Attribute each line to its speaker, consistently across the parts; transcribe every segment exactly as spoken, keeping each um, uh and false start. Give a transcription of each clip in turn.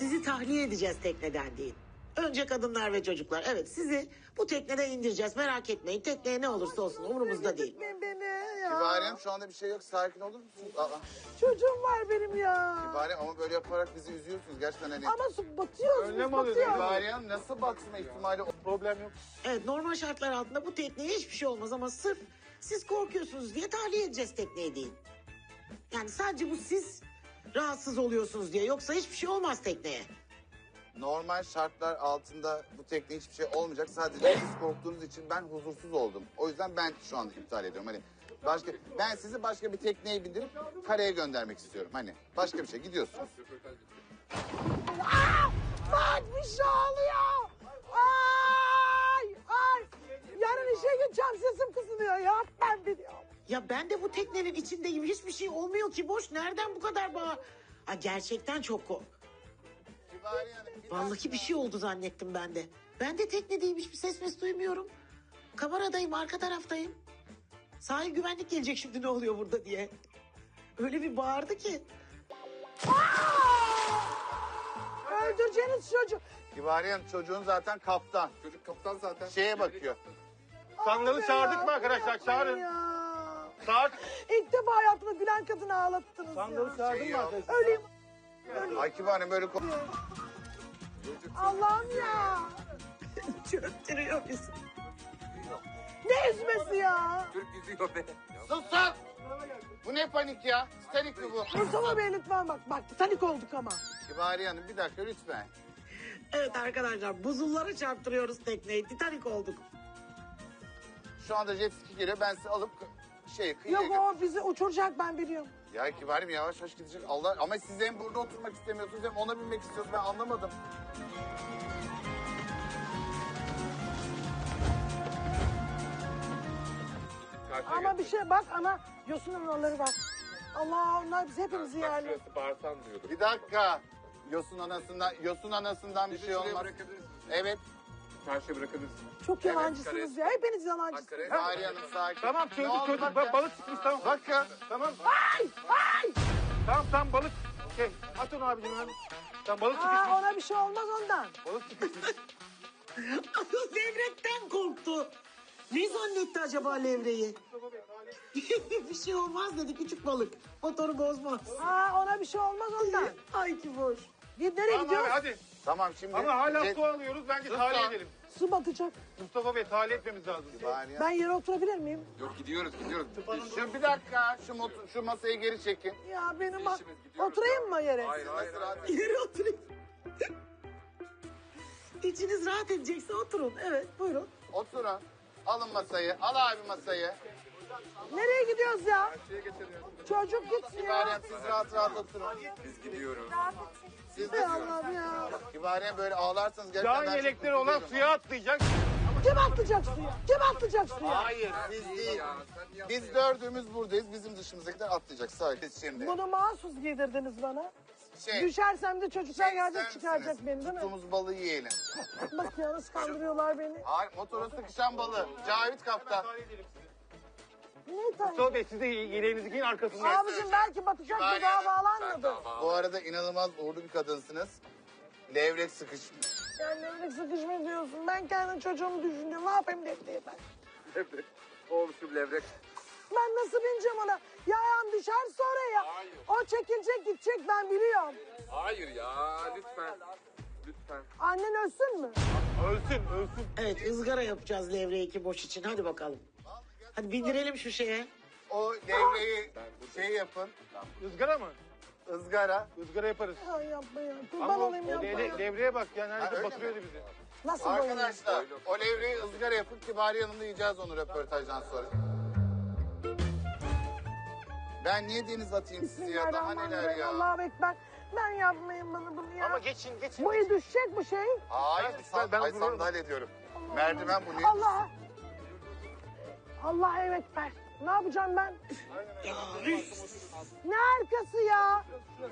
Speaker 1: sizi tahliye edeceğiz tekneden deyin. Önce kadınlar ve çocuklar. Evet, sizi bu tekneden indireceğiz. Merak etmeyin. Tekneye ne olursa olsun umurumuzda değil.
Speaker 2: Beni ya.
Speaker 3: Kibariyem şu anda bir şey yok. Sakin olur musunuz? Aa,
Speaker 2: Çocuğum var benim ya.
Speaker 3: Kibariyem ama böyle yaparak bizi üzüyorsunuz. Gerçekten hani.
Speaker 2: Ama su batıyoruz
Speaker 4: Önlem
Speaker 2: biz
Speaker 4: alıyoruz.
Speaker 2: batıyoruz.
Speaker 3: Kibariyem nasıl batma ihtimali?
Speaker 4: Problem yok.
Speaker 1: Evet, normal şartlar altında bu tekneye hiçbir şey olmaz ama sırf siz korkuyorsunuz diye tahliye edeceğiz tekneyi deyin. Yani sadece bu siz rahatsız oluyorsunuz diye. Yoksa hiçbir şey olmaz tekneye.
Speaker 3: Normal şartlar altında bu tekne hiçbir şey olmayacak. Sadece siz korktuğunuz için ben huzursuz oldum. O yüzden ben şu anda iptal ediyorum. Hani başka ben sizi başka bir tekneye bindirip karaya göndermek istiyorum. Hani başka bir şey gidiyorsunuz.
Speaker 2: Bak bir şey oluyor. Ay ay. Yarın işe gideceğim sesim kısılıyor ya. Ben biliyorum.
Speaker 1: Ya ben de bu teknenin içindeyim. Hiçbir şey olmuyor ki boş. Nereden bu kadar bağ? Ha, gerçekten çok kork.
Speaker 3: Kibariye Hanım, bir
Speaker 1: Vallahi
Speaker 3: dakika.
Speaker 1: bir şey oldu zannettim ben de. Ben de teknedeyim, hiçbir ses mes duymuyorum. Kameradayım, arka taraftayım. Sahil güvenlik gelecek şimdi ne oluyor burada diye. Öyle bir bağırdı ki.
Speaker 2: Öldüreceğiniz çocuk.
Speaker 3: Kibariye Hanım, çocuğun zaten kaptan.
Speaker 4: Çocuk kaptan zaten.
Speaker 3: Şeye bakıyor.
Speaker 4: Sandalı
Speaker 2: Abi
Speaker 4: çağırdık
Speaker 2: ya,
Speaker 4: mı arkadaşlar?
Speaker 2: yapmayın
Speaker 4: Çağırın.
Speaker 2: ya.
Speaker 4: Çağır.
Speaker 2: İlk defa hayatımda gülen kadını ağlattınız
Speaker 4: Sandalı
Speaker 2: ya.
Speaker 4: çağırdın
Speaker 3: Şey
Speaker 4: mı
Speaker 3: yok.
Speaker 4: arkadaşlar?
Speaker 2: Öleyim.
Speaker 3: Ay Kibariye Hanım böyle ko-
Speaker 2: Allah'ım ya.
Speaker 1: Çöktürüyor bizi.
Speaker 2: Ne üzmesi ya?
Speaker 4: Türk yüzüyor be.
Speaker 3: Sus sus! Bu ne panik ya? Titanik mi bu?
Speaker 2: Mustafa Bey lütfen bak. Bak Titanic olduk ama.
Speaker 3: Kibariye Hanım bir dakika lütfen.
Speaker 1: Evet arkadaşlar, buzullara çarptırıyoruz tekneyi. Titanik olduk.
Speaker 3: Şu anda jet ski geliyor. Ben sizi alıp şey kıyıya
Speaker 2: Yok
Speaker 3: gö-
Speaker 2: o bizi uçuracak ben biliyorum.
Speaker 3: Ya Kibariyem yavaş yavaş gidecek. Allah ama siz hem burada oturmak istemiyorsunuz hem ona binmek istiyorsunuz. Ben anlamadım.
Speaker 2: Ama bir şey bak ana yosun anaları var. Allah onlar biz hepimizi yerler.
Speaker 4: Bağırsan diyordur.
Speaker 3: Bir dakika. Yosun anasından, yosun anasından bir şey olmaz. Evet.
Speaker 4: Karşıya bırakabilirsin.
Speaker 2: Çok yalancısınız ya. Hepiniz yalancısınız.
Speaker 3: Kibariyem Hanım sakin.
Speaker 4: Tamam
Speaker 3: Ne
Speaker 4: çocuk
Speaker 3: oldu
Speaker 4: çocuk.
Speaker 3: bak
Speaker 4: Bak,
Speaker 3: ya?
Speaker 4: balık çıkmış tamam.
Speaker 3: Bakın.
Speaker 4: Tamam.
Speaker 2: Ay ay.
Speaker 4: Tamam tamam balık. Şey at onu abicim abi. Tamam balık çıkmış.
Speaker 2: Aa, ona bir şey olmaz ondan.
Speaker 4: Balık çıkmış.
Speaker 1: Levrekten korktu. Ne zannetti acaba levreyi? Bir şey olmaz dedi, küçük balık. Motoru bozmaz.
Speaker 2: Aa, ona bir şey olmaz ondan.
Speaker 1: Ay ki boş.
Speaker 2: Git nereye
Speaker 4: Tamam abi
Speaker 2: gidiyoruz?
Speaker 4: hadi.
Speaker 3: Tamam şimdi.
Speaker 4: Ama hala
Speaker 3: jet-
Speaker 4: su alıyoruz. Bence tahliye edelim.
Speaker 2: Su batacak.
Speaker 4: Mustafa Bey tahliye etmemiz lazım.
Speaker 3: Kibariyem.
Speaker 2: Ben yere oturabilir miyim?
Speaker 4: Yok gidiyoruz gidiyoruz.
Speaker 3: Şu bir dakika. Şu, motor, şu masayı geri çekin.
Speaker 2: Ya benim bak.
Speaker 4: İşimiz, gidiyoruz
Speaker 2: Oturayım mı yere?
Speaker 4: Hayır hayır hayır.
Speaker 1: Yere oturayım. İçiniz rahat edecekse oturun. Evet, buyurun.
Speaker 3: Oturun. Alın masayı. Al abi masayı.
Speaker 2: Nereye gidiyoruz ya?
Speaker 4: Şeye geçelim.
Speaker 2: Çocuk gitsin ya.
Speaker 3: Kibariyem siz rahat rahat oturun.
Speaker 4: Biz gidiyoruz.
Speaker 3: Siz de
Speaker 2: Ey Allah'ım ya.
Speaker 3: Kibariyem böyle ağlarsanız gerçekten
Speaker 4: Can
Speaker 3: ben çok
Speaker 4: yelekleri olan
Speaker 3: üzülüyorum.
Speaker 4: suya atlayacak.
Speaker 2: Kim atlayacak suya? Kim atlayacak suya?
Speaker 3: Hayır siz değil. Biz dördümüz buradayız. Bizim dışımızdakiler atlayacak. Sakin şimdi.
Speaker 2: Bunu mahsus giydirdiniz bana.
Speaker 3: Şey,
Speaker 2: Düşersem de çocuklar
Speaker 3: şey
Speaker 2: gelecek
Speaker 3: ister
Speaker 2: çıkaracak
Speaker 3: misiniz?
Speaker 2: beni değil mi?
Speaker 3: Tuttuğumuz balığı yiyelim.
Speaker 2: Bak ya nasıl kandırıyorlar beni.
Speaker 3: Hayır motora sıkışan balığı. Cavit kaptan.
Speaker 2: Ne tane?
Speaker 4: Mustafa Bey siz de yeleğinizi giyin arkasından.
Speaker 2: Abicim belki batacak da
Speaker 3: Kibariyem.
Speaker 2: daha bağlanmadı.
Speaker 3: Bu arada inanılmaz uğurlu bir kadınsınız. Levrek sıkışmış.
Speaker 2: Yani levrek sıkışma diyorsun. Ben kendi çocuğumu düşünüyorum. Ne yapayım defteye ben?
Speaker 4: Levrek. Olmuşum levrek.
Speaker 2: Ben nasıl bineceğim ona? Ya ayağım düşer sonra ya.
Speaker 4: Hayır.
Speaker 2: O çekilecek gidecek ben biliyorum.
Speaker 4: Hayır ya lütfen. Lütfen.
Speaker 2: Annen ölsün mü?
Speaker 4: Ölsün ölsün.
Speaker 1: Evet, ızgara yapacağız levreyi iki boş için. Hadi bakalım. Hadi bindirelim şu şeye.
Speaker 3: O levreyi şey yapın.
Speaker 4: Izgara mı?
Speaker 3: ızgara.
Speaker 4: Izgara yaparız.
Speaker 2: Ay yapma ya. Kurban
Speaker 4: Ama o,
Speaker 2: olayım
Speaker 4: o
Speaker 2: yapma
Speaker 4: levre-
Speaker 2: ya.
Speaker 4: levreye bak yani
Speaker 3: Ha,
Speaker 4: hani
Speaker 3: öyle
Speaker 4: batırıyordu
Speaker 3: mi?
Speaker 4: bizi.
Speaker 2: Nasıl boyunum?
Speaker 3: Arkadaşlar o levreyi ızgara yapın. Kibariye Hanım'la yiyeceğiz onu röportajdan sonra. Ben niye deniz atayım sizi ya? Daha neler
Speaker 2: Bismillahirrahmanirrahim.
Speaker 3: ya?
Speaker 2: Allahu Ekber. Ben yapmayayım bana bunu ya.
Speaker 4: Ama geçin geçin.
Speaker 2: Bu iyi düşecek bu şey.
Speaker 3: Hayır,
Speaker 4: Ben-
Speaker 3: san,
Speaker 4: ben
Speaker 3: ay,
Speaker 4: duruyorum.
Speaker 3: sandalye diyorum. Merdiven bu ne?
Speaker 2: Allah. Allah Ekber. Ne yapacağım ben? Ne arkası ya?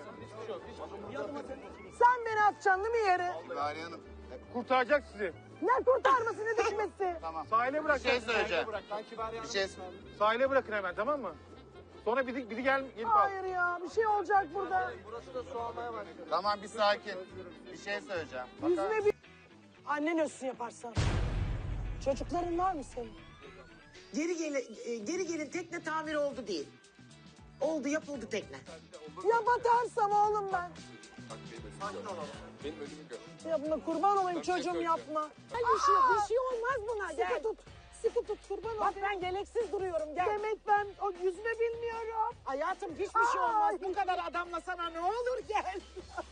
Speaker 2: Sen beni atacaksın değil mi yere?
Speaker 3: Kibariye Hanım.
Speaker 4: Kurtaracak sizi.
Speaker 2: Ne kurtarması ne düşmesi?
Speaker 3: Tamam.
Speaker 4: Sahile
Speaker 3: Bir
Speaker 4: bırak.
Speaker 3: şey söyleyeceğim. Bir şey
Speaker 4: Sahile bırakın hemen tamam mı? Sonra biri, biri gel, gelip al.
Speaker 2: Hayır ya bir şey olacak burada.
Speaker 3: Tamam bir sakin. Bir şey söyleyeceğim. Bakar
Speaker 2: Yüzüne bir... Annen ölsün yaparsan. Çocukların var mı senin?
Speaker 1: Geri gelin, e, geri gelin tekne tamir oldu değil. Oldu yapıldı tekne.
Speaker 2: Ya batarsam oğlum ben.
Speaker 5: Benim ölümü gör.
Speaker 2: Yapma kurban olayım çocuğum yapma. Gel bir şey yok bir şey olmaz buna gel. Sıkı tut. Sıkı tut kurban olayım. Bak ben gereksiz duruyorum gel. Demek ben o yüzünü bilmiyorum. Hayatım hiçbir şey olmaz. Bu kadar adamla sana ne olur gel.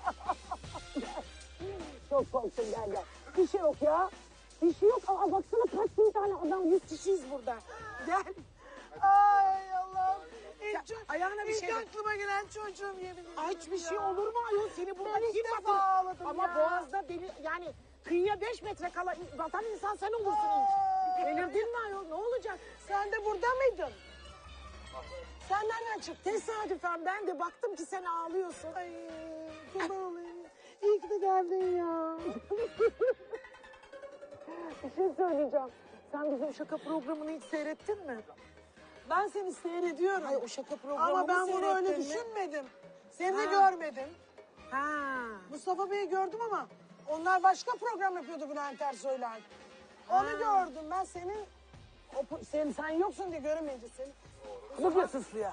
Speaker 2: Çok korktum gel gel. Bir şey yok ya. Bir şey yok. Aa, baksana kaç bin tane adam. Yüz kişiyiz burada. Gel. Ay Allah'ım. İlk, ço-
Speaker 1: ayağına bir
Speaker 2: ilk
Speaker 1: şey bak.
Speaker 2: aklıma gelen çocuğum yemin ederim.
Speaker 1: Ay hiçbir
Speaker 2: ya.
Speaker 1: şey olur mu ayol seni burada
Speaker 2: Ben ilk
Speaker 1: kim
Speaker 2: defa
Speaker 1: batırır?
Speaker 2: ağladım
Speaker 1: Ama
Speaker 2: ya.
Speaker 1: boğazda deli yani kıyıya beş metre kala batan insan sen olursun ilk.
Speaker 2: Ay.
Speaker 1: Delirdin mi ayol ne olacak?
Speaker 2: Sen de burada mıydın? Sen nereden çıktın?
Speaker 1: Tesadüfen ben de baktım ki sen ağlıyorsun.
Speaker 2: Ay kurban olayım. İyi ki de geldin ya. Bir şey söyleyeceğim.
Speaker 1: Sen bizim şaka programını hiç seyrettin mi?
Speaker 2: Ben seni seyrediyorum.
Speaker 1: Hayır o şaka programını
Speaker 2: Ama ben bunu öyle
Speaker 1: seyrettin mi?
Speaker 2: düşünmedim. Seni de
Speaker 1: Ha.
Speaker 2: görmedim.
Speaker 1: Ha.
Speaker 2: Mustafa Bey'i gördüm ama onlar başka program yapıyordu Bülent Ersoy'la. Onu gördüm ben senin. O, pro- sen, sen yoksun diye göremeyince seni. Bakıyorsun suya.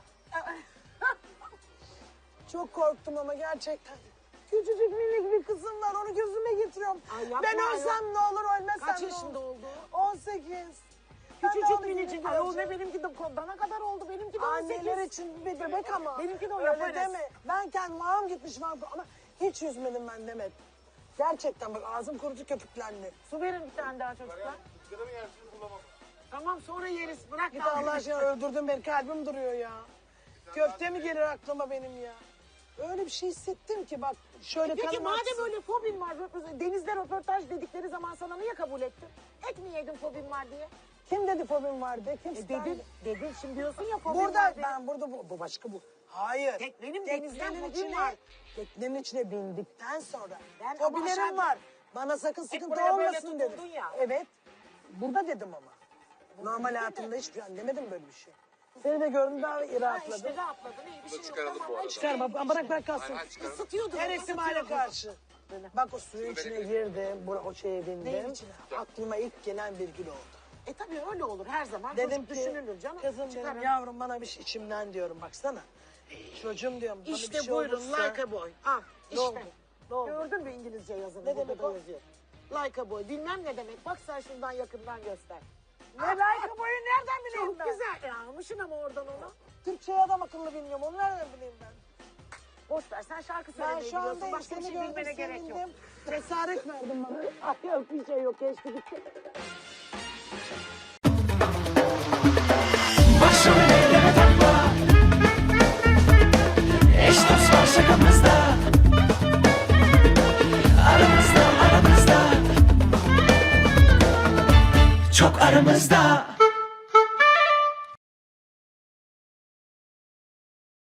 Speaker 2: Çok korktum ama gerçekten. Küçücük minik bir kızım var onu gözüme getiriyorum.
Speaker 1: Ay yapma
Speaker 2: Ben
Speaker 1: ayol.
Speaker 2: ölsem ne olur ölmesem
Speaker 1: Kaç
Speaker 2: ne
Speaker 1: yaşında
Speaker 2: olur.
Speaker 1: oldu?
Speaker 2: on sekiz. Ben de
Speaker 1: Küçücük
Speaker 2: onu
Speaker 1: minicik
Speaker 2: gibi
Speaker 1: ayol ne
Speaker 2: göreceğim.
Speaker 1: benimki de dana kadar oldu benimki de on sekiz.
Speaker 2: Anneler için bir bebek ama.
Speaker 1: Benimki de o
Speaker 2: Öyle
Speaker 1: yaparız.
Speaker 2: deme. Ben kendim ağam gitmiş var ama hiç yüzmedim ben Demet. Gerçekten bak ağzım kurucu köpüklendi.
Speaker 1: Su verin bir tane daha çocuklar. Tamam sonra yeriz bırak.
Speaker 2: Git Allah aşkına öldürdün beni kalbim duruyor ya. Köfte mi gelir aklıma benim ya? Öyle bir şey hissettim ki bak şöyle
Speaker 1: Peki
Speaker 2: kanım
Speaker 1: madem
Speaker 2: aksın.
Speaker 1: öyle fobin var, röportaj- denizde röportaj dedikleri zaman sana niye kabul ettin? Et mi yedin fobin var diye?
Speaker 2: Kim dedi fobim vardı? Kim
Speaker 1: E
Speaker 2: isterdi?
Speaker 1: dedin, dedin şimdi diyorsun ya fobin
Speaker 2: Burada
Speaker 1: var dedin.
Speaker 2: ben burada bu, bu başka bu. Hayır.
Speaker 1: Teknenin denizden
Speaker 2: Teknenin
Speaker 1: fobin
Speaker 2: içine,
Speaker 1: var.
Speaker 2: teknenin içine bindikten sonra
Speaker 1: Ben ama
Speaker 2: fobilerim
Speaker 1: aşağıda-
Speaker 2: var. Bana sakın sıkıntı
Speaker 1: buraya böyle
Speaker 2: olmasın dedim.
Speaker 1: tutundun ya.
Speaker 2: Evet. Burada dedim ama. Normal hayatımda hiçbir şey demedim böyle bir şey. Seni de gördüm daha
Speaker 1: Ha
Speaker 2: rahatladım.
Speaker 1: işte rahatladın iyi bir şey yok.
Speaker 5: çıkaralım
Speaker 1: Tamam,
Speaker 5: bu arada.
Speaker 1: hadi
Speaker 2: Çıkar bak bırak bırak kalsın.
Speaker 5: Hayır, çıkaralım.
Speaker 1: Isıtıyordun.
Speaker 2: Her
Speaker 1: onu,
Speaker 2: ihtimale
Speaker 1: ısıtıyordun.
Speaker 2: karşı. Bak o suyun içine girdim, bura, o şeye
Speaker 1: Neyin
Speaker 2: bindim.
Speaker 1: içine?
Speaker 2: Aklıma ilk gelen bir gün oldu.
Speaker 1: E tabii öyle olur her zaman.
Speaker 2: Dedim
Speaker 1: Çocuk
Speaker 2: ki,
Speaker 1: düşünülür canım.
Speaker 2: kızım
Speaker 1: Çıkarın.
Speaker 2: dedim yavrum bana bir şey içimden diyorum baksana. Çocuğum diyorum bana
Speaker 1: İşte
Speaker 2: bir şey
Speaker 1: buyurun
Speaker 2: olursa.
Speaker 1: like a boy. Al
Speaker 2: Ne oldu?
Speaker 1: işte.
Speaker 2: Ne oldu?
Speaker 1: Gördün mü İngilizce yazını?
Speaker 2: Ne
Speaker 1: Burada
Speaker 2: demek
Speaker 1: da
Speaker 2: o?
Speaker 1: yazıyor. Like a boy. Bilmem ne demek. Bak sen şundan yakından göster.
Speaker 2: Ne like boyu nereden bileyim
Speaker 1: Çok
Speaker 2: ben?
Speaker 1: güzel. Ya almışsın ama oradan onu.
Speaker 2: Türkçeyi adam akıllı bilmiyorum. Onu nereden bileyim ben?
Speaker 1: Boş ver sen şarkı
Speaker 2: Ben
Speaker 1: söylemeyi
Speaker 2: şu
Speaker 1: biliyorsun.
Speaker 2: anda
Speaker 1: Başka bir
Speaker 2: seni
Speaker 1: şey
Speaker 2: gördüm
Speaker 1: bilmene gerek yok.
Speaker 2: sevindim. Cesaret verdin bana. Ay yok bir şey yok geçti gitti.
Speaker 6: Başımı elleme takma. Eş dost var şakamızda. Aramızda aramızda. Çok aramızda.